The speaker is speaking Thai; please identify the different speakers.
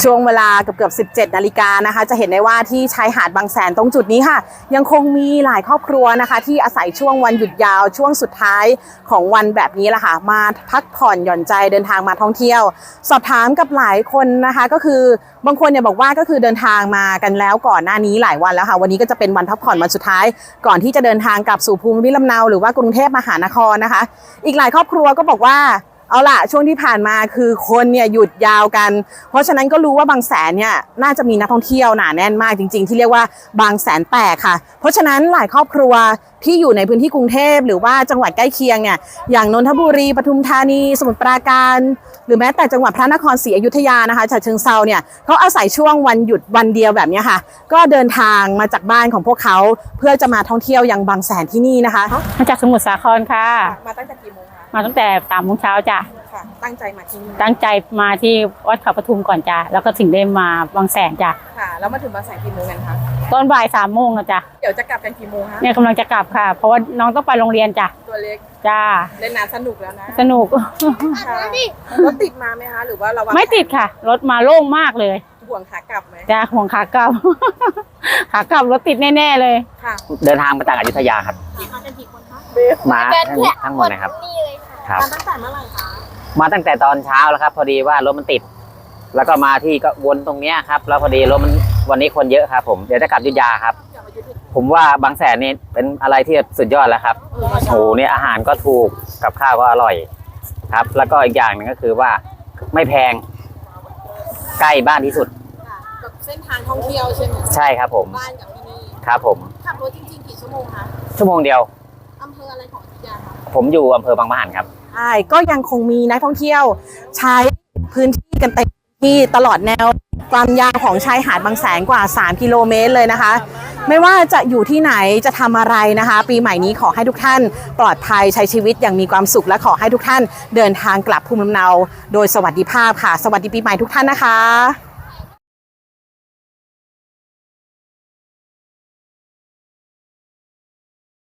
Speaker 1: ช่วงเวลาเกือบ17 นาฬิกานะคะจะเห็นได้ว่าที่ชายหาดบางแสนตรงจุดนี้ค่ะยังคงมีหลายครอบครัวนะคะที่อาศัยช่วงวันหยุดยาวช่วงสุดท้ายของวันแบบนี้แหละค่ะมาพักผ่อนหย่อนใจเดินทางมาท่องเที่ยวสอบถามกับหลายคนนะคะก็คือบางคนเนี่ยบอกว่าก็คือเดินทางมากันแล้วก่อนหน้านี้หลายวันแล้วค่ะวันนี้ก็จะเป็นวันพักผ่อนวันสุดท้ายก่อนที่จะเดินทางกลับสู่ภูมิลำเนาหรือว่ากรุงเทพมหานครนะคะอีกหลายครอบครัวก็บอกว่าเอาล่ะช่วงที่ผ่านมาคือคนเนี่ยหยุดยาวกันเพราะฉะนั้นก็รู้ว่าบางแสนเนี่ยน่าจะมีนักท่องเที่ยวหนาแน่นมากจริงๆที่เรียกว่าบางแสนแตกค่ะเพราะฉะนั้นหลายครอบครัวที่อยู่ในพื้นที่กรุงเทพหรือว่าจังหวัดใกล้เคียงเนี่ยอย่างนนทบุรีปทุมธานีสมุทรปราการหรือแม้แต่จังหวัดพระนครศรีอยุธยานะคะฉะเชิงเทราเนี่ยเขาอาศัยช่วงวันหยุดวันเดียวแบบนี้ค่ะก็เดินทางมาจากบ้านของพวกเขาเพื่อจะมาท่องเที่ยวยังบางแสนที่นี่นะคะ
Speaker 2: มาจากสมุทรสาครค่ะ
Speaker 1: มาตั้งแต่กี่โมงคะ
Speaker 2: มาตั้งแต่3 โมงเช้าจ้ะ
Speaker 1: ค่ะตั้งใจมาที่นี่
Speaker 2: ตั้งใจมาที่วัดเขาปทุมก่อนจ้ะแล้วก็ถึงได้มาบางแสนจ้ะ
Speaker 1: ค่ะแล้วมาถึงบางแสนกี่โมงกันคะ
Speaker 2: ตอนบ่าย3 โมงนะจ้ะ
Speaker 1: เดี๋ยวจะกลับกันกี่โมงคะ
Speaker 2: เนี่ยกำลังจะกลับค่ะเพราะว่าน้องต้องไปโรงเรียนจ้ะ
Speaker 1: ตัวเล็ก
Speaker 2: จ้า
Speaker 1: เล่นน้ำสนุกแล้วนะ
Speaker 2: สนุก
Speaker 1: รถติดมาไหมคะหรือว่าเรา
Speaker 2: ไม่ติดค่ะรถมาโล่งมากเลย
Speaker 1: ห่วงขากลับไหม
Speaker 2: จ้าห่วงขากลับขากลับรถติดแน่ๆเลย
Speaker 1: ค่ะ
Speaker 3: เดินทางมาจากอยุธยาครับ
Speaker 1: มากันกี่คนคะ
Speaker 3: มาทั้งหมดนะครับ
Speaker 1: มาตั้งแต่เมื่อไหร่คะ
Speaker 3: มาตั้งแต่ตอนเช้าแล้วครับพอดีว่ารถมันติดแล้วก็มาที่ก็วนตรงเนี้ยครับแล้วพอดีรถมันวันนี้คนเยอะครับผมเดี๋ยวจะกลับอยุธยาครับผมว่าบางแสนนี่เป็นอะไรที่สุดยอดแล้วครับโอ้โหเนี่ยอาหารก็ถูกกับข้าวก็อร่อยครับแล้วก็อีกอย่างหนึ่งก็คือว่าไม่แพงใกล้บ้านที่สุด
Speaker 1: กับเส้นทางท่องเที่ยวใช่ไหม
Speaker 3: ใช่ครับผม
Speaker 1: บ้านกับที่นี่
Speaker 3: ครับผม
Speaker 1: ขับรถจริงๆกี่ชั่วโมงคะ
Speaker 3: ชั่วโมงเดียว
Speaker 1: อำเภออะไรของอยุธยาคะ
Speaker 3: ผมอยู่อำเภอบางปะหันครับ
Speaker 1: ใช่ก็ยังคงมีนักท่องเที่ยวใช้พื้นที่กันเต็มที่ตลอดแนวความยาวของชายหาดบางแสนกว่า3 กิโลเมตรเลยนะคะไม่ว่าจะอยู่ที่ไหนจะทำอะไรนะคะปีใหม่นี้ขอให้ทุกท่านปลอดภัยใช้ชีวิตอย่างมีความสุขและขอให้ทุกท่านเดินทางกลับภูมิลำเนาโดยสวัสดิภาพค่ะสวัสดีปีใหม่ทุกท่านนะคะ